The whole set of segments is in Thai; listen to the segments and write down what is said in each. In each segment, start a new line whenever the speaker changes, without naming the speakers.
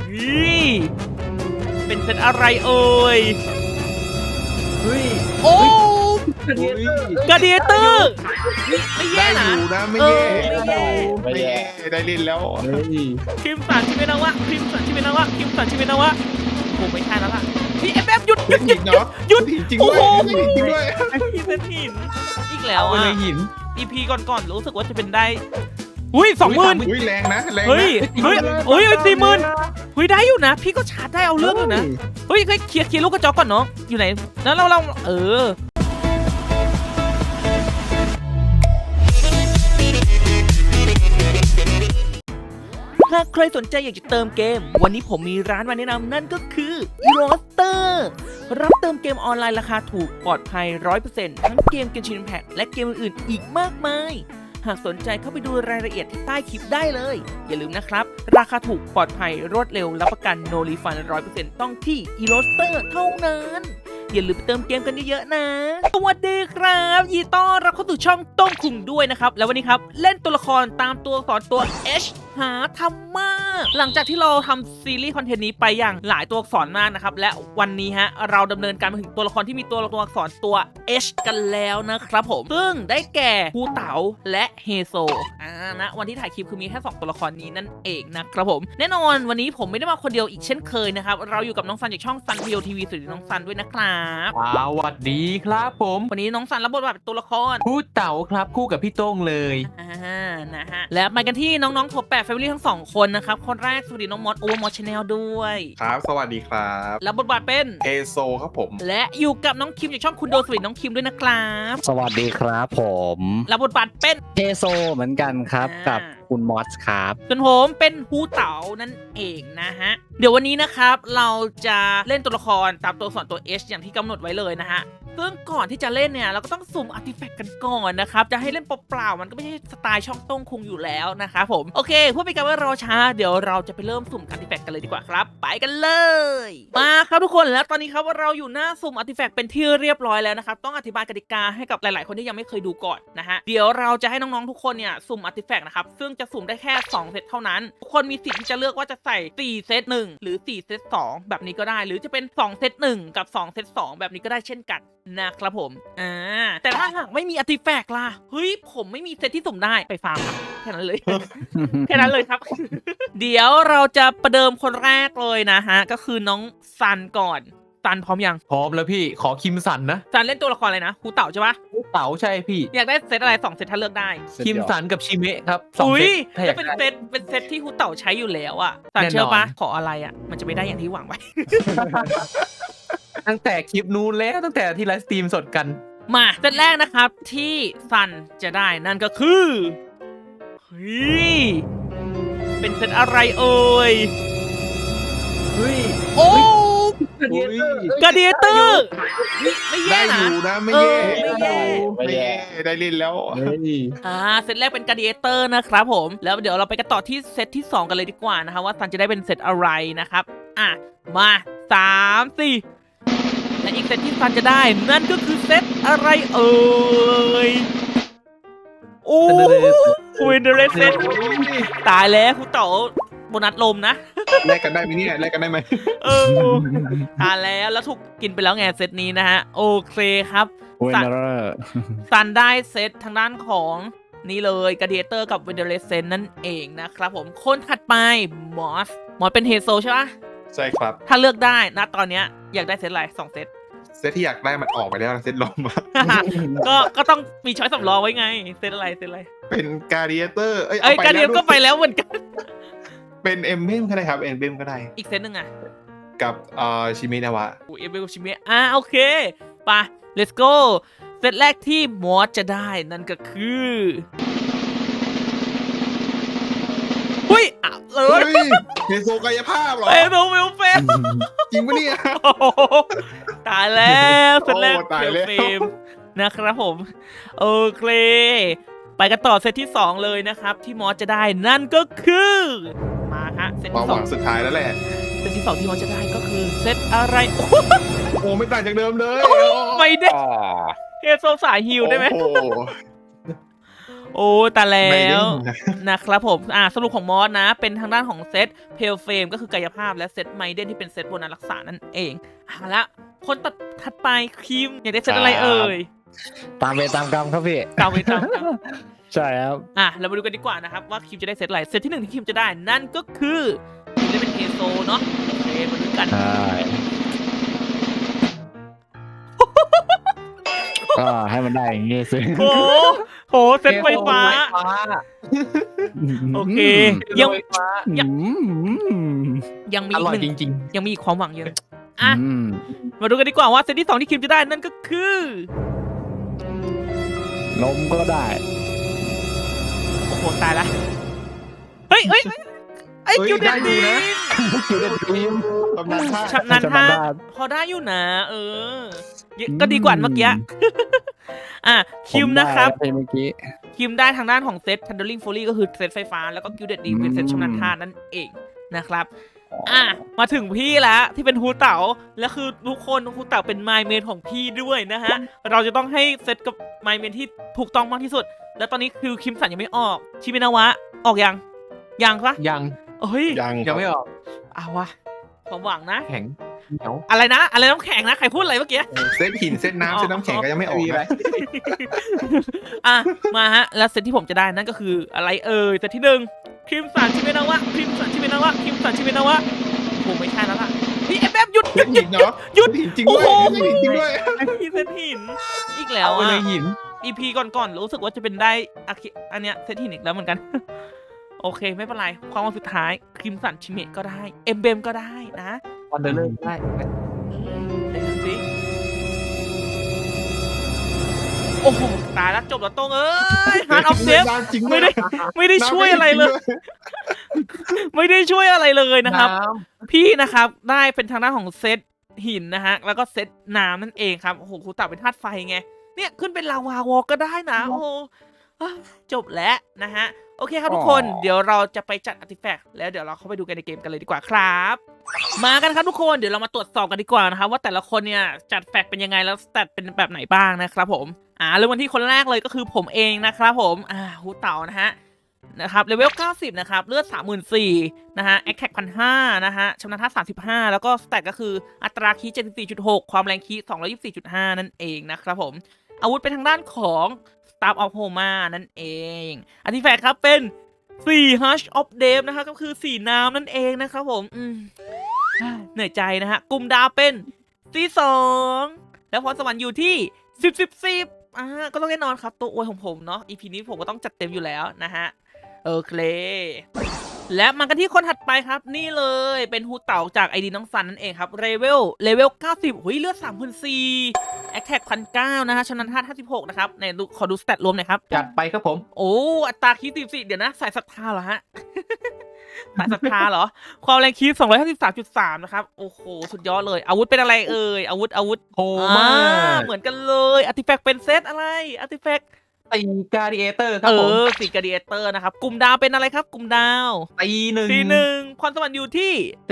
ฮ้ยเป็นเซตอะไรเอ่ย
เฮ้ย
โอ้
กระเดียเตอร์
ไม่แย่
ได้
นะ
อยู่นะไม่แย่
ไม่แย่
ได้เล่นแล้ว
เฮ้ย
คิมสันชิเมนาวะคิมสันชิเมนาวะคิมสันชิเมนาวะโอ้ไม่ใช่แล้วล่ะพี่แอบหยุดหยุดหยุดหยุดหยุด
จริง
โอ้
ด้วย
โห
จริงด้วย
พี่เป็นหินอีกแล้ว
เอาไป
อ่ะ
เลยหิน
EP ก่อนๆรู้สึกว่าจะเป็นได้อุ้ย20,000
อุ้ยแรงนะแรงนะ
เฮ้ย40,000เฮ้ยได้อยู่นะ พี่ก็ชาร์จได้เอาเรื่องอยู่นะเฮ้ยเคลียร์ลูกกระจอกก่อนเนาะอยู่ไหนแล้วเราหากใครสนใจอยากจะเติมเกมวันนี้ผมมีร้านมาแนะนำนั่นก็คือ Eroster รับเติมเกมออนไลน์ราคาถูกปลอดภัย 100% ทั้งเกมGenshin Impact และเกมอื่นๆอีกมากมายหากสนใจเข้าไปดูรายละเอียดที่ใต้คลิปได้เลยอย่าลืมนะครับราคาถูกปลอดภัยรวดเร็วรับประกัน No Refund 100% ต้องที่ Eroster เท่านั้นอย่าลืมไปเติมเกมกันเยอะๆนะสวัสดีครับยินดีต้อนรับเข้าสู่ช่องต้มคุงด้วยนะครับแล้ววันนี้ครับเล่นตัวละครตามตัวอักษรตัว H หาทำมากหลังจากที่เราทำซีรีส์คอนเทนต์นี้ไปอย่างหลายตัวอักษรมากนะครับและวันนี้ฮะเราดำเนินการมาถึงตัวละครที่มีตัวอักษรตัว H กันแล้วนะครับผมซึ่งได้แก่ฮูเต๋าและเฮโซนะวันที่ถ่ายคลิปคือมีแค่2ตัวละครนี้นั่นเองนะครับผมแน่นอนวันนี้ผมไม่ได้มาคนเดียวอีกเช่นเคยนะครับเราอยู่กับน้องซันจากช่องซันพีโอทีวีสวัสดีน้องซันด้วยนะครับ
สวัสดีครับผม
วันนี้น้องซันรับบทบาทเป็นตัวละคร
ผู้เต๋าครับคู่กับพี่โต้งเลย
นะฮะและมากันที่น้องๆท็อป8 Family ทั้ง2คนนะครับคนแรกสวัสดีน้องมอสโอเวอร์มอสชาแนลด้วย
ครับสวัสดีครับ
แล้วบทบาทเป็น
เอโซครับผม
และอยู่กับน้องคิมจากช่องคุณโดสวัสดีน้องคิมด้วยนะครับ
สวัสดีครับผม
แล้วบทบาทเป็น
เทโซเหมือนกันครับกับคุณมอสครับ
ส่วนผมเป็นฮูเต๋านั่นเองนะฮะเดี๋ยววันนี้นะครับเราจะเล่นตัวละครตามตัวอักษรตัว H อย่างที่กำหนดไว้เลยนะฮะซึ่งก่อนที่จะเล่นเนี่ยเราก็ต้องสุ่มอาร์ติแฟกต์กันก่อนนะครับจะให้เล่นเปล่าๆมันก็ไม่ใช่สไตล์ช่องต้งคุงอยู่แล้วนะครับผมโอเคเพื่อเป็นการไม่รอช้าเดี๋ยวเราจะไปเริ่มสุ่มอาร์ติแฟกต์กันเลยดีกว่าครับไปกันเลยมาครับทุกคนแล้วตอนนี้ครับเราอยู่หน้าสุ่มอาร์ติแฟกต์เป็นที่เรียบร้อยแล้วนะครับต้องอธิบายกติกาให้กับหลายๆคนที่ยังไม่เคยดูก่อนนะฮะเดี๋ยวเราจะให้น้องๆทุกคนเนี่ยสุ่มอาร์ติแฟกต์นะครับซึ่งจะสุ่มได้แค่2เซตเท่านั้นทุกคนมีสิทธิ์ที่จะเลือกว่าจะใส่4เซต1หรือ4เซต2แบบนี้ก็ได้หรือจะเป็น2เซต1กับ2เซต2แบบนี้ก็ได้เช่นกันนะครับผมแต่ถ้าหากไม่มีอาร์ติแฟกต์ล่ะเฮ้ยผมไม่มีเซตที่สุ่มได้ไปฟาร์มครับแค่นั้นเลย แค่นั้นเลยครับ เดี๋ยวเราจะประเดิมคนแรกเลยนะฮะก็คือน้องซันก่อนซันพร้อมยัง
พร้อมแล้วพี่ขอคิมสันนะ
ซันเล่นตัวละครอะไรนะครูเต่าใช่ปะ
ผู้เต๋าใช่พี่
อยากได้เซตอะไร2เซตถ้าเลือกได้
คิมสันกับชิเมะครับสอง
อุ้
เซ
ย
ตถ้าอ
แล้
ยาว ก
เป็น
ได้
เซตที่ครูเต่าใช้อยู่แล้วอะซัน
แน่นอน
เชื่อปะขออะไรอะมันจะไม่ได้อย่างที่หวังไว้
ตั้งแต่คลิปนู้นแล้วตั้งแต่ที่ไลฟ์สตรีมสดกัน
มาเซตแรกนะครับที่ซันจะได้นั่นก็คือเฮ้ยเป็นเซตอะไรเอ่ย
เฮ้ย
โอ้
กระเดียเตอร์
กาเดียเตอร์ไม่แย่
ได้อ
นะ
ยู่นะไม่แย่
ไม่แย่
ได้เล่นแล้ว
เฮ้ย
เซตแรกเป็นกาเดียเตอร์นะครับผมแล้วเดี๋ยวเราไปกันต่อที่เซตที่2กันเลยดีกว่านะคะว่าซันจะได้เป็นเซตอะไรนะครับมา3 4และอีกเซตที่ซันจะได้นั่นก็คือเซตอะไรเอ่ยโอ้วินเดอร์เรสเซตตายแล้วคุณเต๋อโบนัสลมนะ
แลกกันได้ไหมเนี่ยแลกกันได้ไหม
ทานแล้วถูกกินไปแล้วไงเซตนี้นะฮะโอเคครับ
เวนเดอร์
ซันได้เซตทางด้านของนี่เลยกาเดียเตอร์กับเวนเดอร์เลเซนนั่นเองนะครับผมคนถัดไปมอสเป็นเฮโซใช่ปะ
ใช่ครับ
ถ้าเลือกได้นะตอนเนี้ยอยากได้เซตอะไร2เซต
เซตที่อยากได้มันออกไปแล้วนะเซตลมอะ
ก็ต้องมีช้อยสำรองไว้ไงเซตอะไร
เป็นการ์เดียเตอร์
กาเดียก็ไปแล้วเหมือนกัน
เป็นเอ็มเบมก็ได้ครับเอ็มเบมก็ได้
อีกเซตหนึ่งอะ
กับชิเมนาวะ
เอเบลชิเมะโอเคไป let's go เซตแรกที่มอสจะได้นั่นก็คือหุ้ยเล
เฮ้
ย
ยเฮโซกายภาพเหรอ
เอ้ยโนเวลเฟม
จริงปะเนี่ย
ตายแล้วเซตแรก
โอ้ตายแล้ว
เฟมนะครับผมโอเคไปกันต่อเซตที่2เลยนะครับที่มอสจะได้นั่นก็คือมาฮะเซต
ความ
ที่
หวังสุดท้ายแล้วแหละ
2เซตที่2ที่มอสจะได้ก็คือเซตอะไร
โอ้ไม่ต่างจากเดิมเลย
ไม่ได้เฮโซสายฮิวได้ไหม
โอ้โ
โอ้ตายแล้
ไม่ได้
วนะครับผมสรุปของมอสนะเป็นทางด้านของเซตเพลเฟมก็คือกายภาพและเซตไมเดนที่เป็นเซตโบนัสรักษานั่นเองละคนถัดไปคิมอยากได้เซตอะไรเอ่ย
ตามเวรตามกรรมครับพี่
ตามไปตามกัน
ใช่ครับ
เรามาดูกันดีกว่านะครับว่าคิมจะได้เซตอะไรเซตที่หนึ่งที่คิมจะได้นั่นก็คือคิมได้เป็นเฮโซเนาะโอเคมาดูกัน
ใช่ก็ให้มันได้อย่างงี้สิ
โอ้โหเซตไฟฟ้า โอเคยัง
ไฟฟ้า
ยังมี
อ
อีก
ร่อย
หนึ่ง
จริง
ยังมีอีกความหวังเยอะ
อืม
มาดูกันดีกว่าว่าเซตที่สองที่คิมจะได้นั่นก็คือน
มก็ได้
โอ้โหตายละเฮ้ยไอ้
เฮ้ย
คิวเด็
ได้
ด
อยู่
ดี
นะ
คิวเด็ดทีม
ตำนานท่า
ชำนาญท่าพอได้อยู่นะก็ดีกว่าเมื่อกี้คิมนะครับ
ผมได้เมื่อกี้
คิมได้ทางด้านของเซต Thundering Fury ก็คือเซตไฟฟ้าแล้วก็กิลเด็ดดีเป็นเซตชำนาญท่านั่นเองนะครับมาถึงพี่แล้วที่เป็นฮูเต๋าและคือทุกคนฮูเต๋าเป็นไมเมนของพี่ด้วยนะฮะเราจะต้องให้เซตกับไมเมนที่ถูกต้องมากที่สุด แล้วตอนนี้คือคิมสันยังไม่ออกชิเมนาวะออกยังปะ
ยัง
เฮ้ย
ยังไม่ออก
เอาวะความหวังนะ
แข็งเหนียว
อะไรนะอะไรน้ำแข็งนะใครพูดอะไรเมื่อกี้
เซตหินเซตน้ำเซตน้ำแข็งก็ยังไม่ออก
มีอะไร
นะ
มาฮะแล้วเซตที่ผมจะได้นั่นก็คืออะไรเอ่ยเซตที่หนึ่งคิมสันชิเมนาวะคิมสันชิเมนาวะคิมสันชิเมนาวะโอ้ไม่ใช่แล้วล่ะพี่เอฟหยุด
เซตหินเนาะ
หยุด
เซตหินจริงด้วย
โอ้โห
เซตหินจริงด้วย
พี่เซตหินอีกแล้ว
เอาไป
อ่ะ
เลยหิน
EP ก่อนๆรู้สึกว่าจะเป็นได้อันเนี้ยเซตหินอีกแล้วเหมือนกัน โอเคไม่เป็นไรความหวังสุดท้ายคิมสันชิเมะก็ได้เอ็มเบมก็ได้นะ
วันเดอร์เลอร์ได้
เดี๋ยวดูสิโอ้โหตายแล้วจบแล้วตรงเอ้ยฮาร์ดออฟเดฟ
จริง
ไม่ได้ช่วยอะไรเลย ไม่ได้ช่วยอะไรเลยนะครับ พี่นะครับได้เป็นทางด้านของเซตหินนะฮะแล้วก็เซตน้ำนั่นเองครับโอ้โหครูเต่าเป็นธาตุไฟไงเนี่ยขึ้นเป็นลาวาวอลก็ได้นะโอ้โหจบแล้วนะฮะโอเคครับทุกคนเดี๋ยวเราจะไปจัดอาร์ติแฟกต์แล้วเดี๋ยวเราเข้าไปดูกันในเกมกันเลยดีกว่าครับมากันครับทุกคนเดี๋ยวเรามาตรวจสอบกันดีกว่านะครับว่าแต่ละคนเนี่ยจัดแฟกต์เป็นยังไงแล้วสแตทเป็นแบบไหนบ้างนะครับผมเริ่มวันที่คนแรกเลยก็คือผมเองนะครับผมครูเต่านะฮะนะครับเลเวล90นะครับเลือด 34,000นะฮะแอคแท็ก 1,500 นะฮะชำนาญท่า35แล้วก็สแตทก็คืออัตราคีย์ 74.6 ความแรงคีย์ 224.5 นั่นเองนะครับผมอาวุธเป็นทางด้านของ Staff of Homa นั่นเองอาร์ติแฟกต์ครับเป็น4 Hush of Death นะครับก็คือ4น้ำนั่นเองนะครับผมเหนื่อยใจนะฮะกลุ่มดาวเป็นC2แล้วพรสวรรค์อยู่ที่10 ก็ต้องแน่นอนครับตัวอวยของผมเนาะ EP นี้ผมก็ต้องจัดเต็มอยู่แล้วนะฮะโอเคและมากันที่คนถัดไปครับนี่เลยเป็นฮูเต่าจากไอดีน้องซันนั่นเองครับเลเวล90หุยเลือด 3,400 แอคแท็ก 1,900 นะฮะชำนาญท่า56นะครับในขอดูสแตทรวมหน่อยครับ
จัดไปครับผม
โอ้อัตราคีย์44เดี๋ยวนะสายศรัทธาเหรอฮะ สายศรัทธาเหรอความแรงคีย์ 253.3 นะครับโอ้โหสุดยอดเลยอาวุธเป็นอะไรเอ่ยอาวุธ
โหมาก
เหมือนกันเลยอาร์ติแฟกต์เป็นเซตอะไรอาร์ติแฟกต์
ตีการ์ดิเอเตอร์ครับผม
สีกาเดียเตอร์นะครับกลุ่มดาวเป็นอะไรครับกลุ่มดาว
ตีหนึ่ง
พรสวรรค์อยู่ที่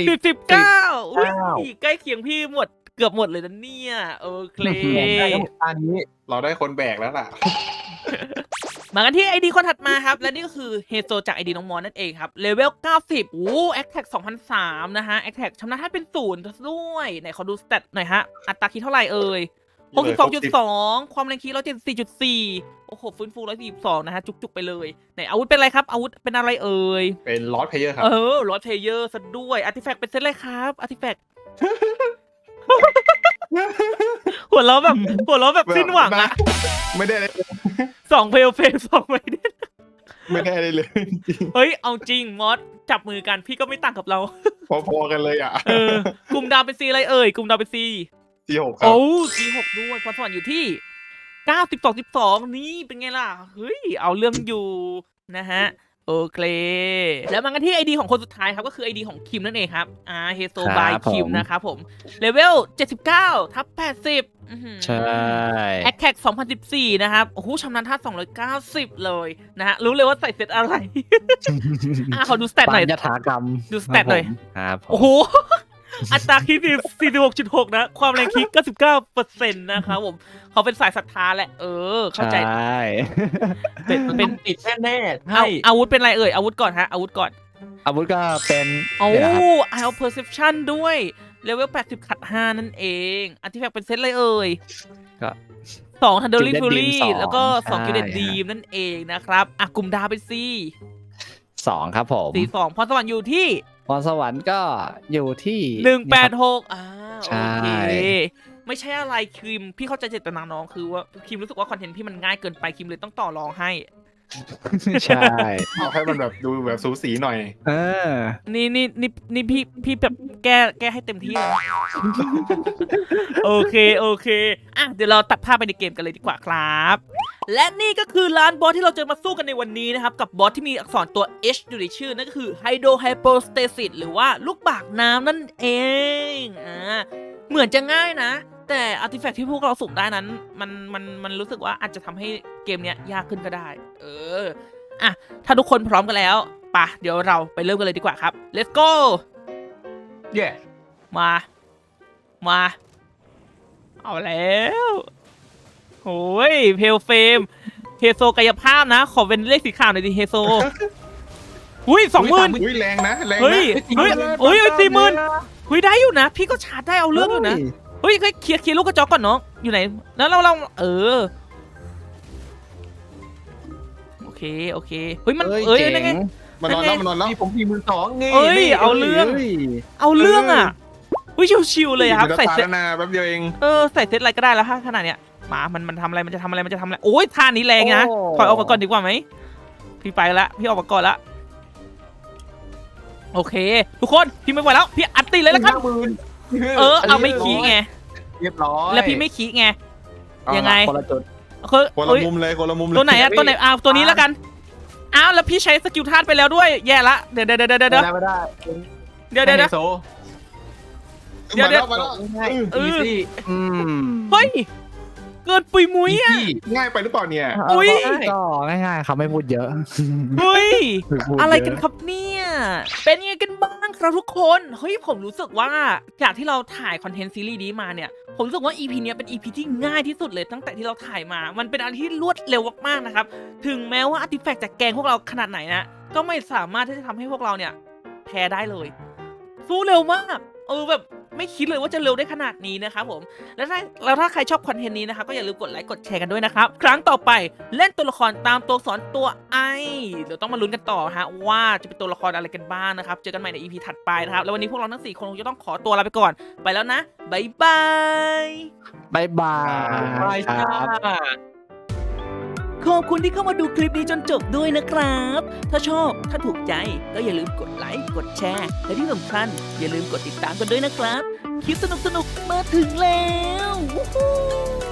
19
อุ้ยใกล้เคียงพี่หมดเกือบหมดเลยนะเนี่ยโอเค
ได้ทั้งหมดอันนี้
เราได้คนแบกแล้วล่ะ
มากันที่ไอดีคนถัดมาครับและนี่ก็คือเฮโซจากไอดีน้องมอนนั่นเองครับเลเวล90โอ้แอคแท็ก 2,300 นะฮะแอคแท็กชำนาญท่าเป็น0ด้วยไหนขอดูสเตตหน่อยฮะอัตราคีย์เท่าไหร่เอ่ย62.2 ความแรงคีย์ 174.4 โอ้โหฟื้นฟู 142 นะฮะจุกๆไปเลยไหนอาวุธเป็นอะไรครับอาวุธเป็นอะไรเอ่ย
เป็นลอสเพลเยอร์ครับ
ลอสเพเยอร์ซะด้วยอาร์ติแฟกต์เป็นเซตอะไรครับอาร์ติแฟกต์ หัวเราะแบบสิ้นหวังอะ
ไม่ได้อะไร
2 เพลเฟส2ไม่ได้
ไม่ได้อะไรเลยจริง
เฮ้ยเอาจริงมอสจับมือกันพี่ก็ไม่ต่างกับเรา
พอๆกันเลยอ่ะ
กลุ่มดาวเป็นซีอะไรเอ่ยกลุ่มดาวเป็นซี
C6 ครับ
โอ้C6ด้วยพรสวรรค์อยู่ที่92.2นี่เป็นไงล่ะเฮ้ยเอาเรื่องอยู่นะฮะโอเคแล้วมากันที่ไอดีของคนสุดท้ายครับก็คือไอดีของคิมนั่นเองครับเฮโซบายคิมนะครับผมเลเวล79ทับ80
ใช่
แอคแท็ก 2014 นะครับโอ้โหชำนาญท่า290 เลยนะฮะรู้เลยว่าใส่เซตอะไร ขอดูสเตตหน่อย
ยถากรรม
ดูสเตตหน่อย
ครับผม
โอ้โหอัตราคิด46.6 นะ ความแรงคิด99%นะครับผมเขาเป็นสายศรัทธาแหละ เข้าใจ
ใช่
เป็น
ติดแน่ๆ
เอา
ใช่
อาวุธเป็นอะไรเอ่ย อาวุธก่อนฮะ อาวุธก่อน
อาวุธก็เป็น
โอ้
เดี๋ยวนะครับ
Eye of Perception ด้วย เลเวล 80 ขัด 5 นั่นเองอาร์ติแฟกต์เป็นเซตอะไรเอ่ย
ก็
2 Thundering
Gilded
Fury
Beam
แล้วก็
ใช่
2 Gilded Beam นั่นเองนะครับกลุ่มดาวไปสิ
2 ครับผม
42พรสวรรค์อยู่ที่
พรสวรรค์ก็อยู่ที่
186โอ
ใช่
เค ไม่ใช่อะไรคิมพี่เข้าใจเจตนาน้องคือว่าคิมรู้สึกว่าคอนเทนต์พี่มันง่ายเกินไปคิมเลยต้องต่อรองให้
ใช่
เอาให้มันแบบดูแบบสูสีหน่อย
เออ
นี่พี่แบบแก้ให้เต็มที่เลย โอเคเดี๋ยวเราตัดภาพไปในเกมกันเลยดีกว่าครับ และนี่ก็คือร้านบอสที่เราจะมาสู้กันในวันนี้นะครับกับบอสที่มีอักษรตัว H อยู่ในชื่อนั่นก็คือ Hydro Hypostasis หรือว่าลูกบากน้ำนั่นเองเหมือนจะง่ายนะ แต่อาร์ติแฟกต์ที่พวกเราสุ่มได้นั้นมันรู้สึกว่าอาจจะทำให้เกมเนี้ยยากขึ้นก็ได้ถ้าทุกคนพร้อมกันแล้วป่ะเดี๋ยวเราไปเริ่มกันเลยดีกว่าครับ let's go
เย่
มาเอาแล้วโอ้ยเพลเฟมเฮโซกายภาพนะขอเป็นเลขสีขาวหน่อยดิเฮโซอุ้ย20,000
อุ้ยแรงนะแรง
เฮ้ย
นะ
40,000 ได้อยู่นะพี่ก็ชาร์จได้เอาเรื่องอยู่นะเฮ้ยเคลียร์ลูกกระจอกก่อนน้องอยู่ไหนแล้วเราโอเคเฮ้ยมันนั่นไง
มันนอนแล้ว
นี่ผม42,000นี่
เอ้ยเอาเรื่องอ่ะอุ้ยชิวๆเลยครับ
ใส่
ใส่
เซ
เซ็
ต
ต
นาแป๊บเดียวเอง
ใส่เซ็ตอะไรก็ได้แล้วขนาดเนี้ยมันทำอะไรมันจะทำอะไรโอ้ยท่านี้แรงนะถอยออกมาก่อนดีกว่าไหมพี่ไปละพี่ออกมาก่อนละโอเคทุกคนพี่ไม่ไหวแล้วพี่อัดตีเลยแล้วกันเอาไม่ขี้ไง
เรียบร้อย
แล้วพี่ไม่ขี้ไงยังไง
คนละจุด
คือ
คนละมุมเลยคนละมุมเลย
ตัวไหนตัวนี้แล้วกันอ้าวแล้วพี่ใช้สกิลธาตุไปแล้วด้วยแย่ละเดี๋ยว
ไม่ได้
เดี๋ยว
มาแล้ว
มาแล้ว
ง่ายอีซี่
เฮ้ยเกินปุยมุ้ยอ่ะ
ง่ายไปหรือเปล่าเนี่ย
อุ๊ย
ก็ง่ายๆครับไม่พูดเยอะ
เฮ้ย
ม่พูดเย
อะไรกันครับเนี่ย เป็นยังไงกันบ้างครับทุกคน เฮ้ยผมรู้สึกว่าจากที่เราถ่ายคอนเทนต์ซีรีส์นี้มาเนี่ย ผมรู้สึกว่า EP เนี้ยเป็น EP ที่ง่ายที่สุดเลยตั้งแต่ที่เราถ่ายมา มันเป็นอะไรที่รวดเร็วมากๆนะครับ ถึงแม้ว่าอาร์ติแฟกต์จะแกล้งพวกเราขนาดไหนนะ ก็ไม่สามารถที่จะทำให้พวกเราเนี่ยแพ้ได้เลย สู้เร็วมากแบบไม่คิดเลยว่าจะเร็วได้ขนาดนี้นะครับผมแล้วถ้าใครชอบคอนเทนต์นี้นะครับก็อย่าลืมกดไลค์กดแชร์กันด้วยนะครับครั้งต่อไปเล่นตัวละครตามตัวสอนตัวไอเดี๋ยวต้องมาลุ้นกันต่อฮะว่าจะเป็นตัวละครอะไรกันบ้างนะครับเจอกันใหม่ใน EP ถัดไปนะครับแล้ววันนี้พวกเราทั้ง4คนคงจะต้องขอตัวลาไปก่อนไปแล้วนะบ๊ายบาย
บ๊ายบาย
ไปจ้า
ขอบคุณที่เข้ามาดูคลิปนี้จนจบด้วยนะครับ ถ้าชอบ ถ้าถูกใจ ก็อย่าลืมกดไลค์ กดแชร์ และที่สำคัญอย่าลืมกดติดตามกันด้วยนะครับ คลิปสนุกๆ มาถึงแล้ว วู้ฮู้